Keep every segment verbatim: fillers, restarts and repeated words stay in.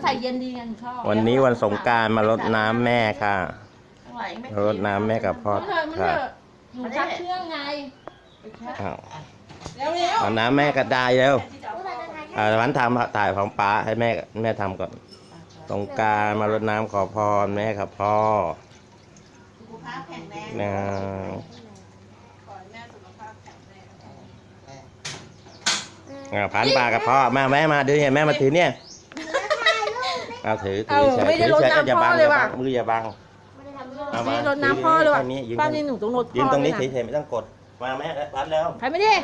ใส่เย็นดีไงชอบวันนี้วันสงกรานต์มารดน้ำแม่ค่ะรดน้ำแม่กับพ่อค่ะหนูชักเชื่องไงอ้าวเร็วเร็วเอาน้ำแม่ก็ได้แล้วอ่าวันทำถ่ายของป้าให้แม่แม่ทำก่อนสงกรานต์มารดน้ำขอพรแม่กับพ่อสุขภาพแข็งแรงนะขอให้แม่สุขภาพแข็งแรงอ่าพันปลากับพ่อแม่แม่มาดูเนี่ยแม่มาถือเนี่ยเอาถือถือใช่ถือใช่อย่าบังอย่าบังมืออย่าบังเอามารดน้ำพ่อเลยว่ะป้านี่หนูต้องรดพ่อยืนตรงนี้เฉยๆไม่ต้องกดมาแม่พันแล้วใครไม่ได้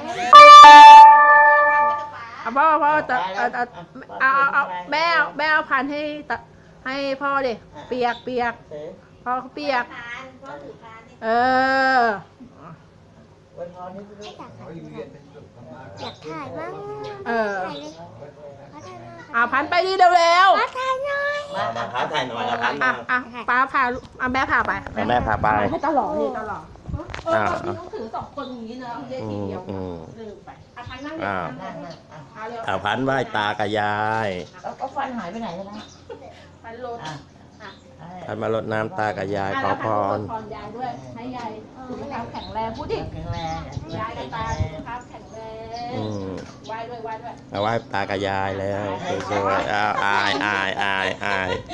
เอาพ่อพ่อจะเอาเอาเอาแม่แม่เอาพันให้ให้พ่อดิเปียกเปียกพ่อเขาเปียกเอออยากถ่ายบ้างเอออ่าพันไปดิเร็วเร็วถ่ายหน่อยมามาพาถ่ายหน่อยนะพันอ่ะอ่ะป้าพาอ่ะแม่พาไปแม่พาไปให้ตลอดนี่ตลอดเออพี่ต้องถือสองคนอย่างนี้นะเรียกทีเดียวลืมไปอ่ะพันนั่งอ่าอ่าพันไหว้ตากับยายก็ฟันหายไปไหนแล้วนะพันรถพันมารดน้ำตากับยายขอพรพรยายด้วยให้ยายสุขภาพแข็งแรงพูดดิแข็งแรงยายกับตาสุขภาพแข็งแรงไหว้ด้วยไหว้ด้วยเอาไหว้ตากับยายแล้วสวยๆอ้าวอายอายอายอาย